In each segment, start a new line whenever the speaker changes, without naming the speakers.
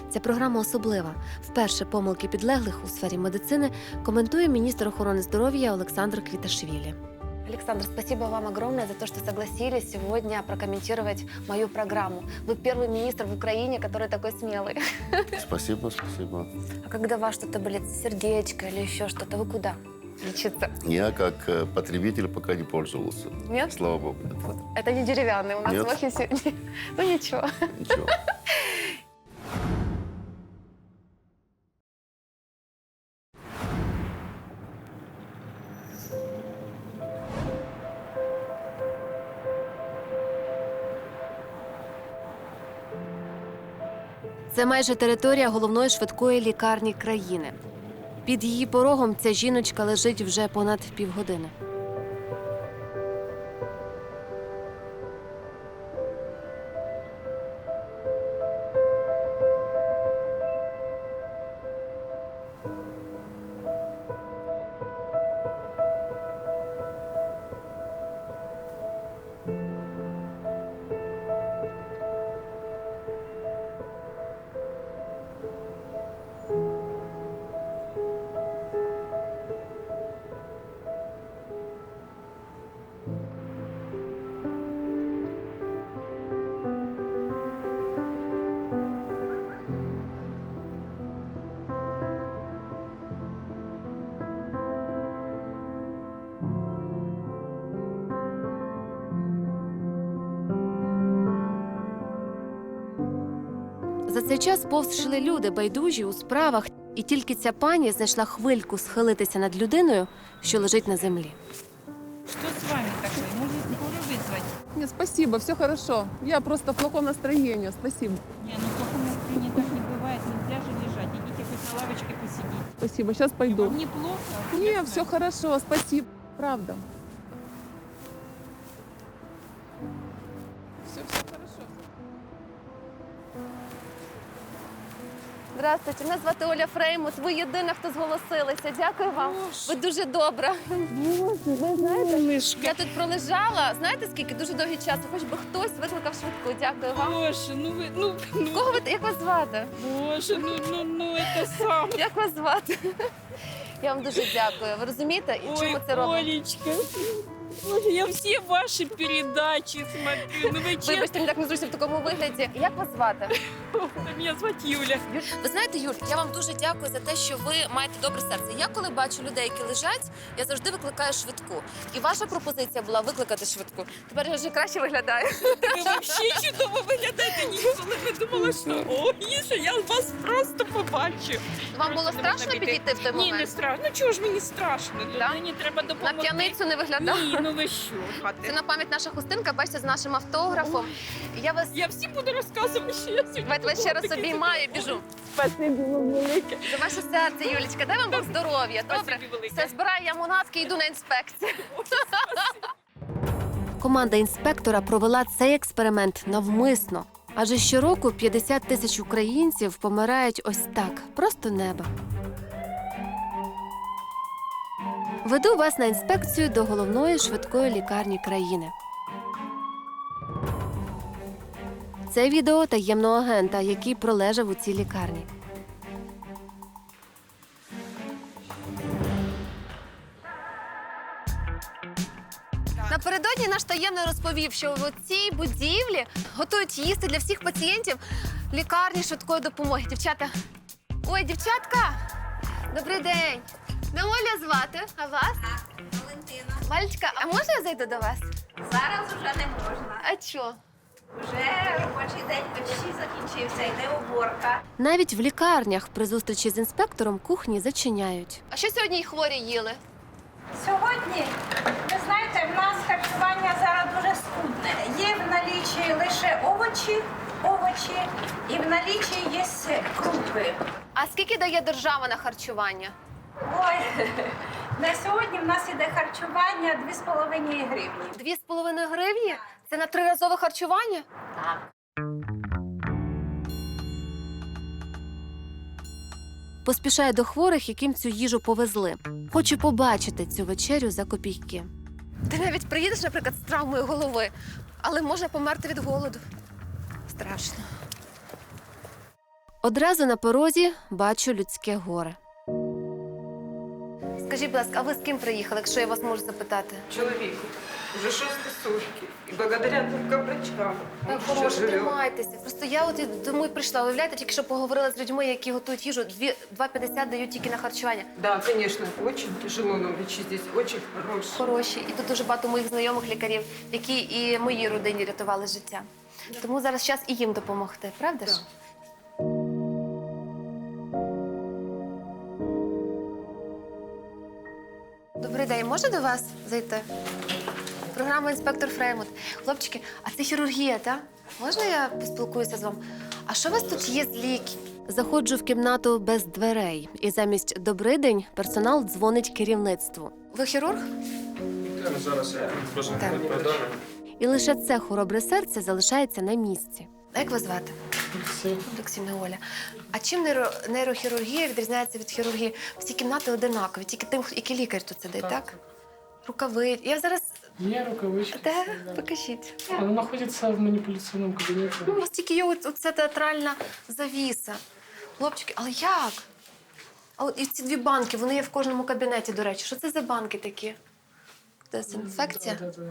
Ця програма особлива. Вперше помилки підлеглих у сфері медицини коментує міністр охорони здоров'я Олександр Квіташвілі. Александр, спасибо вам огромное за то, что согласились сегодня прокомментировать мою программу. Вы первый министр в Украине, который такой смелый.
Спасибо, спасибо.
А когда у вас что-то болит, сердечко или еще что-то, вы куда лечиться?
Я как потребитель пока не пользовался.
Нет?
Слава богу.
Вот. Это не деревянный, у нас
Нет.
в офисе. Ну ничего.
Ничего.
Це майже територія головної швидкої лікарні країни. Під її порогом ця жіночка лежить вже понад півгодини. За цей час повз йшли люди, байдужі у справах, і тільки ця пані знайшла хвильку схилитися над людиною, що лежить на землі.
Что с вами такое? Может, скорую вызвать?
Нет, спасибо, все хорошо. Я просто в плохом настроении, спасибо.
Не, ну в плохом настроении так не бывает. Нельзя же лежать. Идите хоть на лавочке посидите.
Спасибо, сейчас пойду.
Вам неплохо?
Не, все хорошо, спасибо. Правда. Все хорошо.
Здравствуйте, мене звати Оля Фреймут. Ви єдина, хто зголосилися. Дякую вам. Ви дуже добра. Ви знаєте, я тут пролежала, знаєте скільки? Дуже довгий час. Хоч би хтось викликав швидку. Дякую вам.
Боже, ну вы, ну,
Кого ви, як вас звати?
боже, ну, это сам.
Як вас звати? Я вам дуже дякую. Ви розумієте, і чому ми це робимо?
Олечка, Боже, я все ваши передачи смотрю. Ну вы честно,
Вибачте, мені так незручно в такому вигляді. Як вас звати?
меня зовут Юля.
Ви знаєте, Юль, я вам дуже дякую за те, що ви маєте добре серце. Я коли бачу людей, які лежать, я завжди викликаю швидку. І ваша пропозиція була викликати швидку. Тепер я вже краще виглядаю.
Ви вообще чудово виглядаєте, ніколи не думала, що ой, що я вас просто побачу.
Вам було страшно підійти в той
Ні, не
момент?
страшно. Ну чого ж мені страшно?
Да?
Людині треба
На
допомогти.
п'яницю не виглядав?
Ні, ну ви що,
Це
хати.
на пам'ять наша хустинка, бачите, з нашим автографом. Я вас
Я всім буду розказувати, що я сьогодні.
давайте вас ще раз обіймаю і біжу.
Спасибі вам велике.
За ваше серце, Юлічка. Дай вам Бог здоров'я. Добре?
Спасибі велике.
Все, збираю я мунатки і йду на інспекцію. Команда інспектора провела цей експеримент навмисно. Адже щороку 50 тисяч українців помирають ось так, просто неба. Веду вас на інспекцію до головної швидкої лікарні країни. Це відео таємного агента, який пролежав у цій лікарні. Напередодні наш таємний розповів, що в цій будівлі готують їсти для всіх пацієнтів лікарні швидкої допомоги. Дівчата. Ой, дівчатка! Добрий день! Не Оля звати, а вас?
Валентина.
Валечка, а можна я зайду до вас?
Зараз вже не можна.
А чо?
Вже робочий день почти закінчився, йде уборка.
Навіть в лікарнях при зустрічі з інспектором кухні зачиняють. А що сьогодні й хворі їли?
Сьогодні, ви знаєте, в нас харчування зараз дуже скудне. Є в налічі лише овочі і в налічі є крупи.
А скільки дає держава на харчування?
Ой, на сьогодні в нас іде харчування 2,5 гривні.
2,5 гривні? Це на триразове харчування?
Так.
Поспішає до хворих, яким цю їжу повезли. Хоче побачити цю вечерю за копійки. Ти навіть приїдеш, наприклад, з травмою голови, але можна померти від голоду. Страшно. Одразу на порозі бачу людське горе. Скажіть, будь ласка, а ви з ким приїхали, якщо я вас можу запитати?
Чоловіку. Вже 6 сутки. І благодаря тільки врачам.
Так, хороше, тримайтеся. Просто я от тому і прийшла. Уявляєте, тільки що поговорила з людьми, які готують їжу. 2,50 дають тільки на харчування.
Да, конечно, очень тяжело, но врачи здесь очень хорошие.
Хороші. І тут дуже багато моїх знайомих лікарів, які і моїй родині рятували життя. Тому зараз час і їм допомогти, правда ж? Добрий день, можна до вас зайти? Програма «Інспектор Фреймут». Хлопчики, а це хірургія, так? Можна я поспілкуюся з вами? А що у вас тут є з ліків? Заходжу в кімнату без дверей. І замість «добрий день» персонал дзвонить керівництву. Ви хірург?
Зараз я просто
Так.
передам.
І лише це хоробре серце залишається на місці. А як вас звати? Олексій Оля. А чим нейрохірургія відрізняється від хірургії? Всі кімнати одинакові, тільки тим, який лікар тут сидить, так? Рукави. Я зараз...
Є рукавички.
Де?
да.
Покажіть.
Вона знаходиться в маніпуляційному кабінеті.
Ну, у вас тільки є оця театральна завіса. Хлопчики, але як? А от і ці дві банки, вони є в кожному кабінеті, до речі. Що це за банки такі? Дезінфекція?
Да.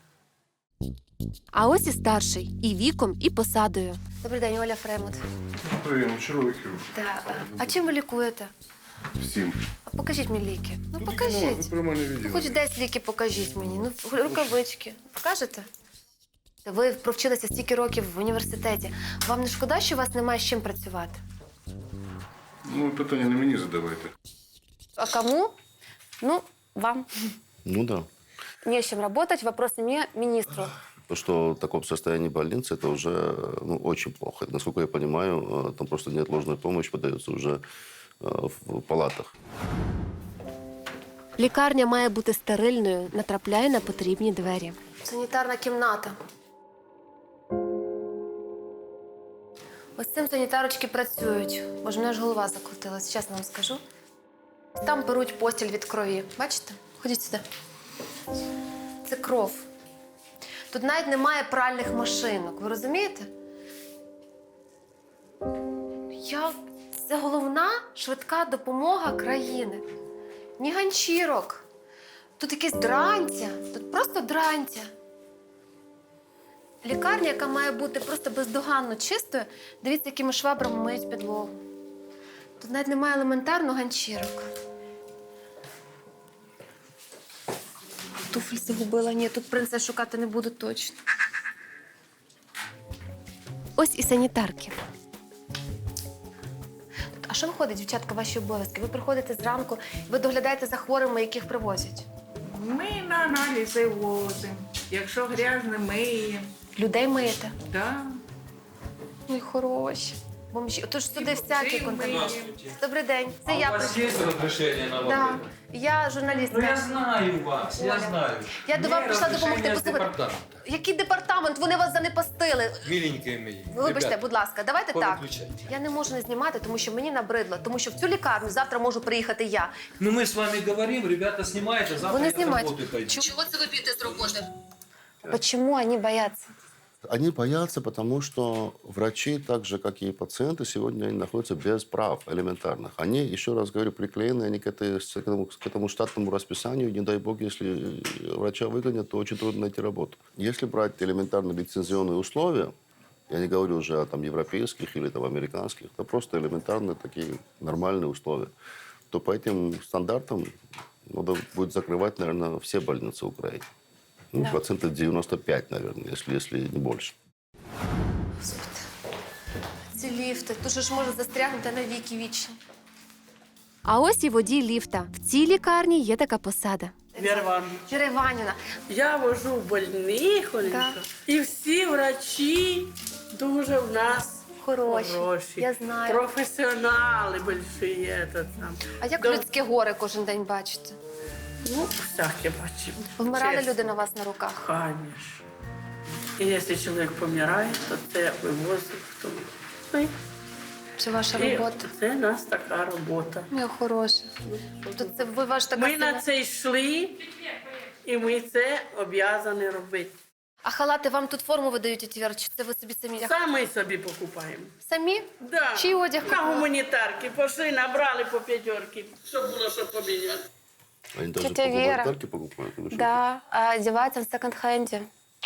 А ось і старший. І віком, і посадою. Добрий день, Оля Фреймут.
Привіт, черговий хірург.
Так. А чим ви лікуєте?
Всім.
А покажіть мені ліки. Ну,
Ви
покажіть.
про мене
Ну,
відео.
хоч десь ліки покажіть мені. Ну, рукавички. Покажете? Ви провчилися стільки років в університеті. Вам не шкода, що у вас немає з чим працювати?
Ну, питання не мені задавайте.
А кому? Ну, вам.
Ну да.
Не с чем работать. Вопрос мне, министру.
То, что в таком состоянии больницы, это уже очень плохо. Насколько я понимаю, там просто неотложная помощь подается уже в палатах.
Лікарня має бути стерильною, натрапляє на потрібні двері. Санітарна кімната. Ось цим санітарочки працюють. Боже, мене ж голова закрутилась, чесно вам скажу. Там беруть постіль від крові. Бачите? Ходіть сюди. Це кров. Тут навіть немає пральних машинок. Ви розумієте? Це головна швидка допомога країни. Ні ганчірок. Тут якесь дрантя. Тут просто дрантя. Лікарня, яка має бути просто бездоганно чистою, дивіться, якими швабрами миють підлогу. Тут навіть немає елементарно ганчірок. Туфлі загубила. Ні, тут принцес шукати не буду точно. Ось і санітарки. А що виходить, дівчатка, ваші обов'язки? Ви приходите зранку, ви доглядаєте за хворими, яких привозять.
Ми на аналізи возимо. Якщо грязне, миємо.
Людей миєте.
Да.
Ой, хороші. Бомжі. Отож сюди всякі
Бомжі
контакти.
миємо.
Добрий день. Це
А
я
у вас
прийшла.
есть разрешение на
Да.
воду?
Я журналістка.
Ну я знаю вас, я
Оля.
знаю.
Я до
Мне
вас прийшла
разрешение
допомогти.
с
Послухайте,
департамента.
який департамент? Вони вас занепастили.
Миленькие мои.
Вибачте,
Ребята,
будь ласка, давайте так.
повиключайте.
Я не можу не знімати, тому що мені набридло. Тому що в цю лікарню завтра можу приїхати я.
Ну мы с вами говорим, ребята снимают, а завтра
Вони
я с
знімають.
работы пойду.
Чого це ви б'єте з роботи? Чому вони бояться?
Они боятся, потому что врачи, так же, как и пациенты, сегодня они находятся без прав элементарных. Они, еще раз говорю, приклеены они к этому штатному расписанию. Не дай бог, если врача выгонят, то очень трудно найти работу. Если брать элементарно лицензионные условия, я не говорю уже о там, европейских или там, американских, это просто элементарно такие нормальные условия, то по этим стандартам надо будет закрывать, наверное, все больницы Украины. Ну,
Да.
процентов 95, наверное, если не больше.
Господи, ці ліфти. Тут же ж може застрягнути на віки вічні. А ось і водій ліфта. В цій лікарні є така посада.
Вера Івановна,
Віра Іванівна.
я вожу больних,
Так.
і всі врачі дуже в нас
Хороші.
хороші.
Я знаю.
Професіонали больші. Этот, там.
А як
До-
людське горе кожен день бачите?
Ну, всяке бачимо.
Вмирали
Чесно.
люди на вас на руках?
Конечно. І якщо чоловік помирає, то це вивозить в тому. Ну, і-
Це ваша
і
робота?
це у нас така робота.
Моя хороша. Тут це ви ваш така
Ми
сильна-
на це йшли, і ми це обов'язані робити.
А халати вам тут форму видають, тетя Віра, чи це ви собі самі?
Самі собі покупаємо.
Самі?
Да.
Чий одяг
На
купили?
гуманітарки пошли, набрали по 5, щоб було що поміняти.
Они даже
Тетя
по
Вера.
гуманитарке покупают. или что?
Да, а одевается в секонд-хенде.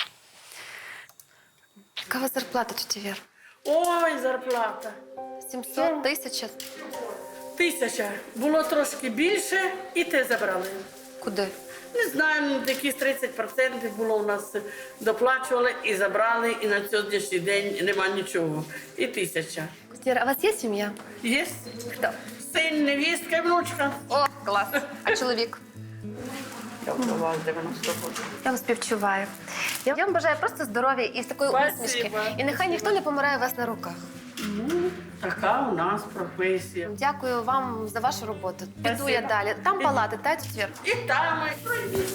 Яка у вас зарплата, тетя Віра?
Ой, зарплата.
700, 1000?
1000. Було трошки більше, і те забрали.
Куди?
Не знаю, ну, якісь 30% було у нас доплачували і забрали, і на сьогоднішній день нема нічого. І 1000.
Тетя Віра, а у вас є сім'я?
Є?
Хто?
Син, невістка і внучка.
О, клас. А чоловік?
Я вдова з 90 років.
Я вам співчуваю. Я вам бажаю просто здоров'я і такої
Спасибо.
усмішки. І нехай
Спасибо.
ніхто не помирає у вас на руках.
Ну, така у нас професія.
Дякую вам за вашу роботу. Піду
Спасибо.
я далі. Там палати, та, тетя Віра?
І там, і пройдіть.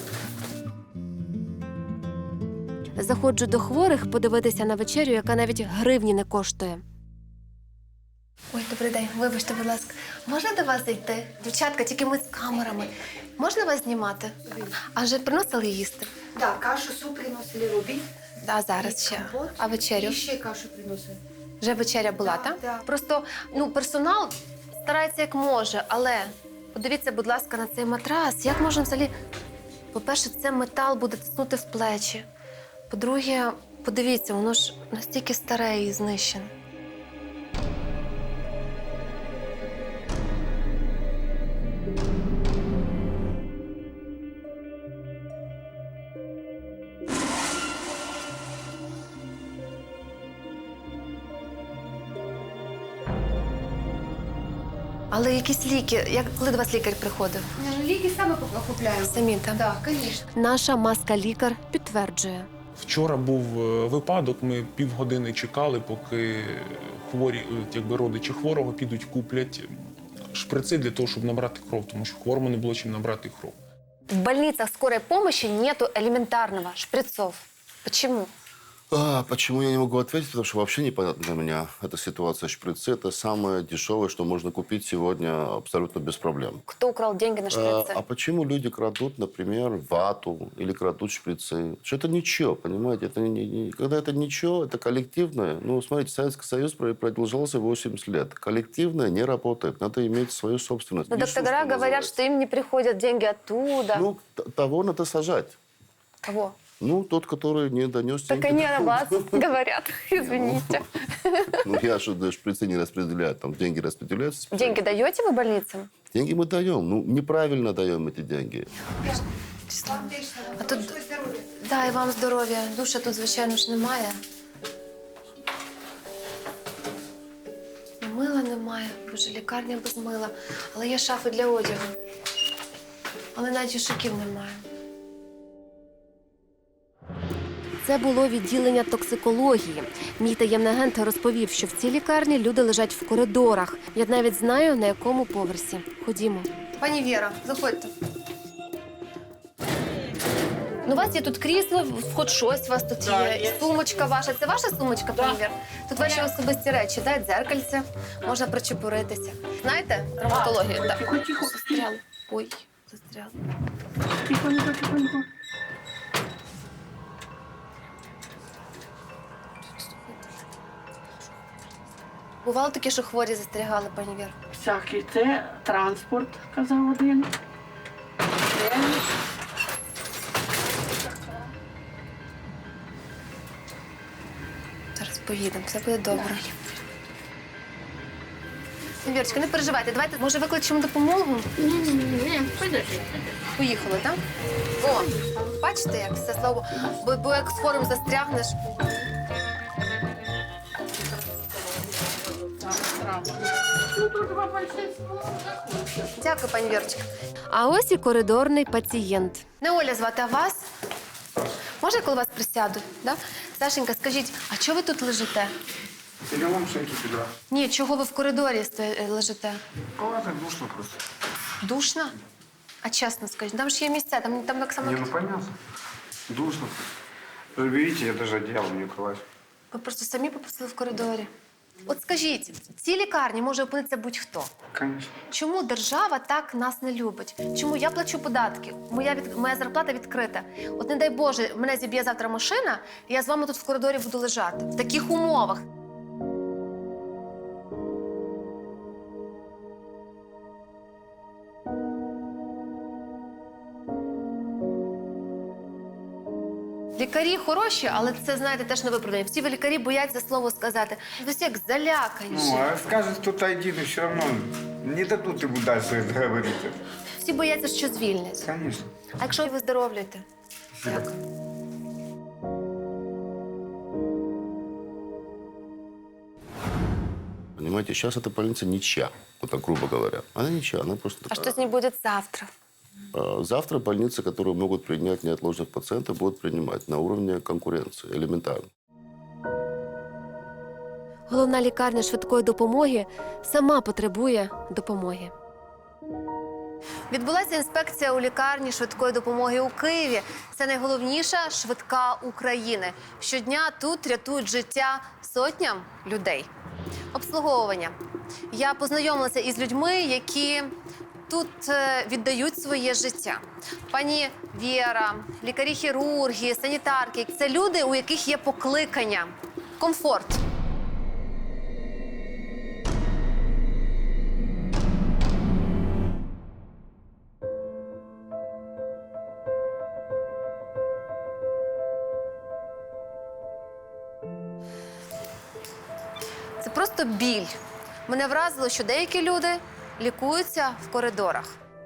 Заходжу до хворих подивитися на вечерю, яка навіть гривні не коштує. Ой, добрий день. Вибачте, будь ласка. Можна до вас зайти? Дівчатка, тільки ми з камерами. Можна вас знімати? А вже приносили їсти?
Да, кашу, суп приносили робіть.
Да, зараз ще.
Компот.
А вечерю?
І ще кашу приносили.
Вже вечеря була,
Да,
так?
да.
Просто персонал старається як може, але подивіться, будь ласка, на цей матрас. Як можна взагалі. По-перше, це метал буде тиснути в плечі. По-друге, подивіться, воно ж настільки старе і знищене. Але якісь ліки, коли до вас лікар приходив?
Ну, ліки саме купляємо.
Самі там?
Так, звісно.
Наша маска-лікар підтверджує.
Вчора був випадок, ми півгодини чекали, поки хворі, якби родичі хворого підуть, куплять шприци для того, щоб набрати кров, тому що хворому не було чим набрати кров.
В больницах скорой помощи нету элементарного шприцов. Почему?
Почему я не могу ответить? Потому что вообще непонятно для меня эта ситуация. Шприцы – это самое дешевое, что можно купить сегодня абсолютно без проблем.
Кто украл деньги на шприцы?
А почему люди крадут, например, вату или крадут шприцы? Что это ничего, понимаете? Это когда это ничего, это коллективное. Ну, смотрите, Советский Союз продолжался 80 лет. Коллективное не работает. Надо иметь свою собственность.
Но доктора говорят, что им не приходят деньги оттуда.
Ну, того надо сажать.
Кого?
Ну, тот, который не донес
Так
деньги.
они о вас говорят, извините.
Ну, я же шприцы не распределяю. Там деньги распределяются.
Деньги даете вы больницам?
Деньги мы даем. Ну, неправильно даем эти деньги.
А тут... Да, і вам здоров'я. Душа тут, звичайно ж, немає. І мила немає. Боже, лікарня без мила. Але є шафи для одягу. Але навіть вішаків немає. Це було відділення токсикології. Мій таємний агент розповів, що в цій лікарні люди лежать в коридорах. Я навіть знаю, на якому поверсі. Ходімо. Пані Віра, заходьте. Ну, у вас є тут крісло, хоч щось у вас тут
Да,
є.
є.
І сумочка ваша. Це ваша сумочка, пані Віра? Тут ваші особисті речі, да? Дзеркальце, можна причепуритися. Знаєте, травматологію? Так.
Тихо, тихо.
Застряли. Ой, застряли.
Тихонько, тихонько.
Бувало таке, що хворі застрягали, пані Віра?
Всякий. Це транспорт, казав один. Це
Зараз поїдемо, все буде добре. Вірочка, не переживайте, давайте, може, викличемо допомогу?
Ні, подожди.
Поїхали, так? О, бачите, як все слово. Бо як з хворим застрягнеш. Дякую, пані Вірочка. А ось і коридорний пацієнт. Не Оля звати, а вас? Може, я коло вас присяду? Да? Сашенька, скажіть, а чого ви тут лежите?
Я вам шейки підрав.
Ні, чого ви в коридорі лежите?
А, так душно просто.
Душно? А чесно скажіть, там ж є місця, там так само...
Не, ну понятно. Душно. Вы видите, я даже одеяло не укрываюсь.
Ви просто самі попросили в коридорі. От скажіть, в цій лікарні може опинитися будь-хто.
Конечно.
Чому держава так нас не любить? Чому я плачу податки? Моя зарплата відкрита. От не дай Боже, мене зіб'є завтра машина, і я з вами тут в коридорі буду лежати. В таких умовах. Лікарі хороші, але це, знаєте, теж не виправдання. Всі лікарі бояться слово сказати. Ви всі як залякані.
Ну, а скажет кто-то один, и все равно не дадут ему дальше говорить.
Всі бояться, що звільнять.
Конечно.
А якщо ви виздоровлюєте?
Спасибо.
Понимаете, сейчас эта больница ничья, вот так грубо говоря. Она ничья, она просто
А
такая.
що з ним буде завтра?
Завтра больницы, которые могут принять неотложных пациентов, будут принимать на уровне конкуренции, элементарно.
Головна лікарня швидкої допомоги сама потребує допомоги. Відбулася інспекція у лікарні швидкої допомоги у Києві. Це найголовніша швидка України. Щодня тут рятують життя сотням людей. Обслуговування. Я познайомилася із людьми, які тут віддають своє життя. Пані Віра, лікарі-хірурги, санітарки – це люди, у яких є покликання, комфорт. Це просто біль. Мене вразило, що деякі люди лікуються в коридорах.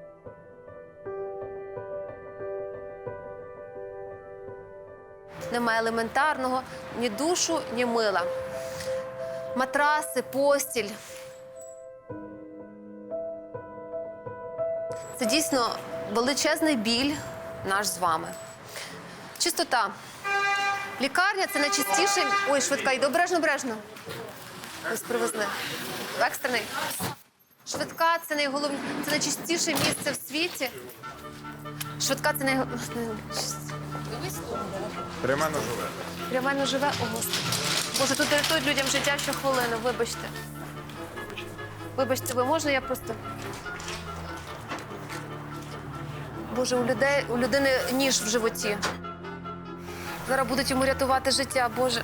Немає елементарного ні душу, ні мила. Матраси, постіль. Це дійсно величезний біль наш з вами. Чистота. Лікарня – це найчистіший... Ой, швидка, йди обережно. Ось привезли. Екстрений. Швидка – це найголовніше, це найчистіше місце в світі. Швидка – це
Прямо живе.
Прямо живе. О, Господи. Боже, тут рятують людям життя щохвилину, вибачте. Вибачте, ви, можна я просто... Боже, у людини ніж в животі. Зараз будуть йому рятувати життя, Боже.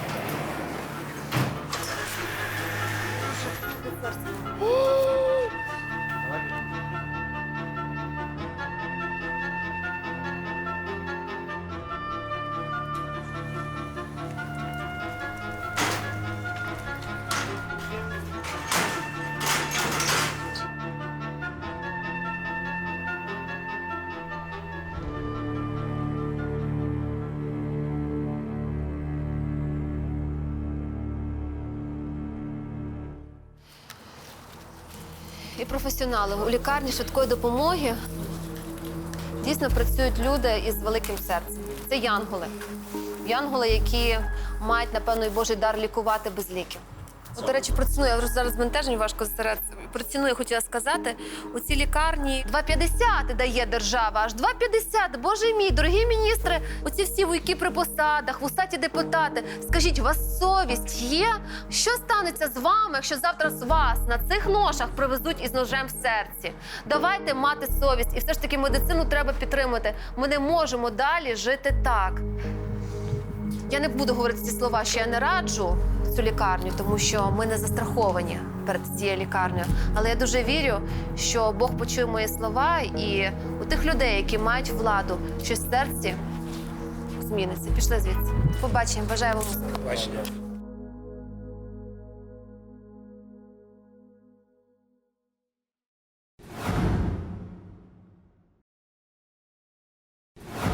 І професіонали у лікарні швидкої допомоги дійсно працюють люди із великим серцем. Це янголи. Янголи, які мають, напевно, і Божий дар лікувати без ліків. От, до речі, про ціну, я зараз збентежень важко зосередитися. Про ціну я хотіла сказати. У цій лікарні 2,50 дає держава, аж 2,50. Боже мій, дорогі міністри, оці всі вуйки при посадах, вусаті депутати. Скажіть, у вас совість є? Що станеться з вами, якщо завтра з вас на цих ношах привезуть із ножем в серці? Давайте мати совість. І все ж таки медицину треба підтримати. Ми не можемо далі жити так. Я не буду говорити ці слова, що я не раджу цю лікарню, тому що ми не застраховані перед цією лікарнею. Але я дуже вірю, що Бог почує мої слова, і у тих людей, які мають владу, щось в серці зміниться. Пішли звідси. Побачимо. Бажаю вам успіху.
Побачення.